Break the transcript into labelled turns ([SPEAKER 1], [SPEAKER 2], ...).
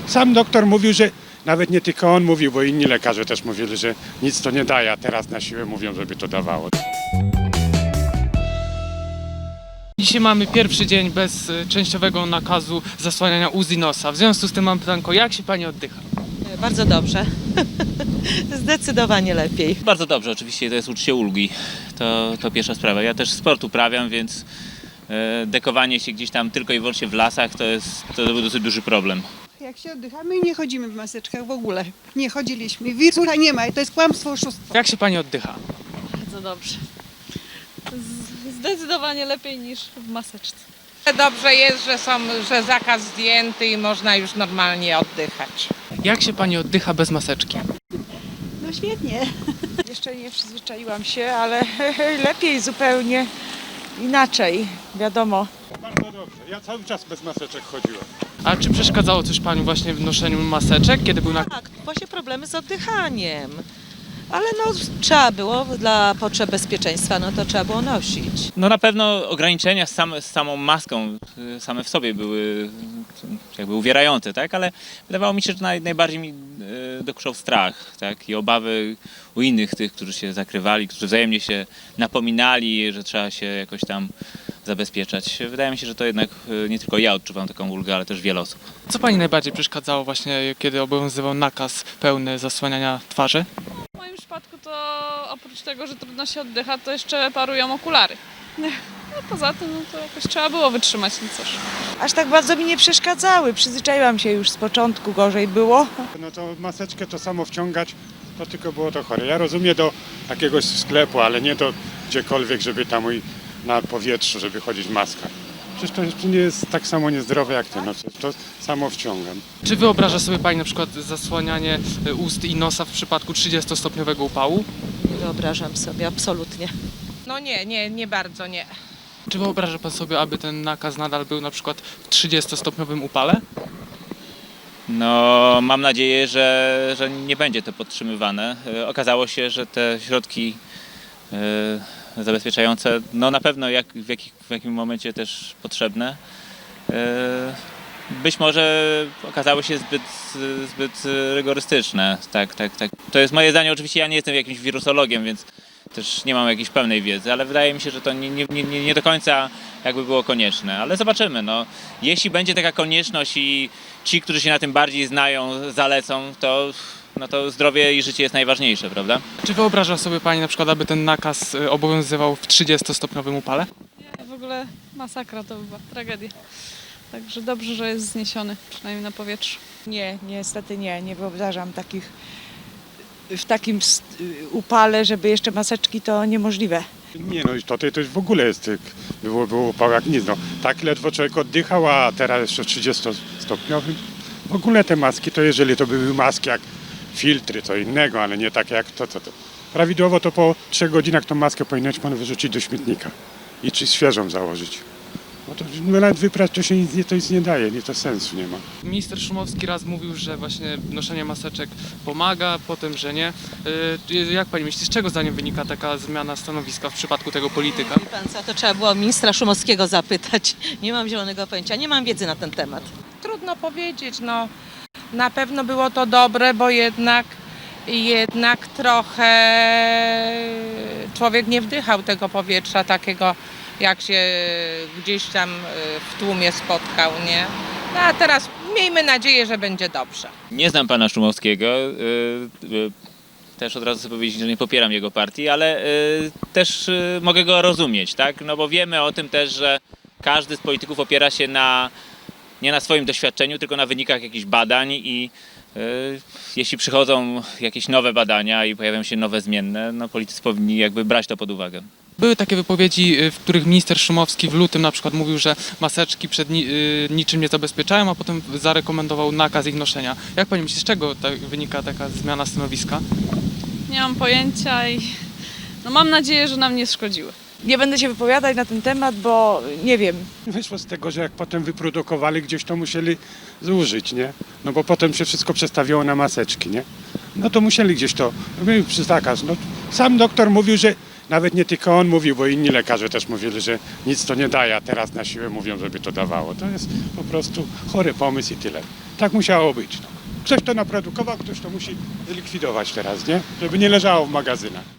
[SPEAKER 1] sam doktor mówił, że nawet nie tylko on mówił, bo inni lekarze też mówili, że nic to nie daje, a teraz na siłę mówią, żeby to dawało.
[SPEAKER 2] Dzisiaj mamy pierwszy dzień bez częściowego nakazu zasłaniania ust i nosa. W związku z tym mam pytanko, jak się pani oddycha?
[SPEAKER 3] Bardzo dobrze. Zdecydowanie lepiej.
[SPEAKER 4] Bardzo dobrze, oczywiście to jest uczucie ulgi, to pierwsza sprawa. Ja też sport uprawiam, więc dekowanie się gdzieś tam tylko i wyłącznie w lasach to był dosyć duży problem.
[SPEAKER 5] Jak się oddychamy i nie chodzimy w maseczkach w ogóle. Nie chodziliśmy. Wirusa nie ma i to jest kłamstwo, oszustwo.
[SPEAKER 2] Jak się pani oddycha?
[SPEAKER 6] Bardzo dobrze. Zdecydowanie lepiej niż w maseczce.
[SPEAKER 7] Dobrze jest, że zakaz zdjęty i można już normalnie oddychać.
[SPEAKER 2] Jak się pani oddycha bez maseczki?
[SPEAKER 5] No świetnie.
[SPEAKER 8] Jeszcze nie przyzwyczaiłam się, ale lepiej zupełnie inaczej, wiadomo.
[SPEAKER 1] Bardzo dobrze. Ja cały czas bez maseczek chodziłem.
[SPEAKER 2] A czy przeszkadzało coś pani właśnie w noszeniu maseczek, kiedy był nakaz?
[SPEAKER 3] Tak, właśnie problemy z oddychaniem. Ale no trzeba było dla potrzeb bezpieczeństwa, no to trzeba było nosić.
[SPEAKER 4] No na pewno ograniczenia z samą maską same w sobie były jakby uwierające, tak? Ale wydawało mi się, że najbardziej mi dokuczał strach, tak? I obawy u innych tych, którzy się zakrywali, którzy wzajemnie się napominali, że trzeba się jakoś tam zabezpieczać. Wydaje mi się, że to jednak nie tylko ja odczuwam taką ulgę, ale też wiele osób.
[SPEAKER 2] Co pani najbardziej przeszkadzało właśnie, kiedy obowiązywał nakaz pełny zasłaniania twarzy?
[SPEAKER 6] W moim przypadku to oprócz tego, że trudno się oddycha, to jeszcze parują okulary. No poza tym no to jakoś trzeba było wytrzymać, no cóż.
[SPEAKER 8] Aż tak bardzo mi nie przeszkadzały, przyzwyczaiłam się już z początku, gorzej było.
[SPEAKER 1] No to maseczkę to samo wciągać, to tylko było to chore. Ja rozumiem do jakiegoś sklepu, ale nie do gdziekolwiek, żeby tam na powietrzu, żeby chodzić w maskach. Przecież to nie jest tak samo niezdrowe jak to, no to samo wciągam.
[SPEAKER 2] Czy wyobraża sobie pani na przykład zasłanianie ust i nosa w przypadku 30-stopniowego upału?
[SPEAKER 3] Nie wyobrażam sobie, absolutnie.
[SPEAKER 7] No nie bardzo, nie.
[SPEAKER 2] Czy wyobraża pan sobie, aby ten nakaz nadal był na przykład w 30-stopniowym upale?
[SPEAKER 4] No mam nadzieję, że nie będzie to podtrzymywane. Okazało się, że te środki zabezpieczające, no na pewno w jakim momencie też potrzebne. Być może okazały się zbyt rygorystyczne. Tak. To jest moje zdanie, oczywiście ja nie jestem jakimś wirusologiem, więc też nie mam jakiejś pełnej wiedzy, ale wydaje mi się, że to nie do końca jakby było konieczne, ale zobaczymy. No. Jeśli będzie taka konieczność i ci, którzy się na tym bardziej znają, zalecą, to zdrowie i życie jest najważniejsze, prawda?
[SPEAKER 2] Czy wyobraża sobie pani na przykład, aby ten nakaz obowiązywał w 30-stopniowym upale?
[SPEAKER 6] Nie, w ogóle masakra to była, tragedia. Także dobrze, że jest zniesiony, przynajmniej na powietrzu.
[SPEAKER 8] Nie, niestety nie wyobrażam w takim upale, żeby jeszcze maseczki, to niemożliwe.
[SPEAKER 1] Nie no, to już w ogóle jest, było upał jak nic. No. Tak ledwo człowiek oddychał, a teraz jeszcze w 30-stopniowym. W ogóle te maski, to jeżeli to były maski jak filtry, to innego, ale nie takie jak to. Prawidłowo to po 3 godzinach tą maskę powinien pan wyrzucić do śmietnika i czy świeżą założyć. No to nawet wyprać to nic nie daje, to sensu nie ma.
[SPEAKER 2] Minister Szumowski raz mówił, że właśnie noszenie maseczek pomaga, potem, że nie. Jak pani myśli, z czego zdaniem wynika taka zmiana stanowiska w przypadku tego polityka?
[SPEAKER 3] Wie pan co, to trzeba było ministra Szumowskiego zapytać. Nie mam zielonego pojęcia, nie mam wiedzy na ten temat.
[SPEAKER 7] Trudno powiedzieć, no na pewno było to dobre, bo jednak trochę człowiek nie wdychał tego powietrza takiego, jak się gdzieś tam w tłumie spotkał, nie? No a teraz miejmy nadzieję, że będzie dobrze.
[SPEAKER 4] Nie znam pana Szumowskiego. Też od razu chcę powiedzieć, że nie popieram jego partii, ale też mogę go rozumieć, tak? No bo wiemy o tym też, że każdy z polityków opiera się nie na swoim doświadczeniu, tylko na wynikach jakichś badań i jeśli przychodzą jakieś nowe badania i pojawiają się nowe zmienne, no politycy powinni jakby brać to pod uwagę.
[SPEAKER 2] Były takie wypowiedzi, w których minister Szumowski w lutym na przykład mówił, że maseczki przed niczym nie zabezpieczają, a potem zarekomendował nakaz ich noszenia. Jak pani myśli, z czego wynika taka zmiana stanowiska?
[SPEAKER 6] Nie mam pojęcia i no mam nadzieję, że nam nie szkodziły.
[SPEAKER 8] Nie będę się wypowiadać na ten temat, bo nie wiem.
[SPEAKER 1] Wyszło z tego, że jak potem wyprodukowali gdzieś, to musieli zużyć, nie? No bo potem się wszystko przestawiło na maseczki, nie? No to musieli gdzieś to, przy zakaz. No, sam doktor mówił, że Nawet nie tylko on mówił, bo inni lekarze też mówili, że nic to nie daje, a teraz na siłę mówią, żeby to dawało. To jest po prostu chory pomysł i tyle. Tak musiało być. No. Ktoś to naprodukował, ktoś to musi zlikwidować teraz, nie? Żeby nie leżało w magazynach.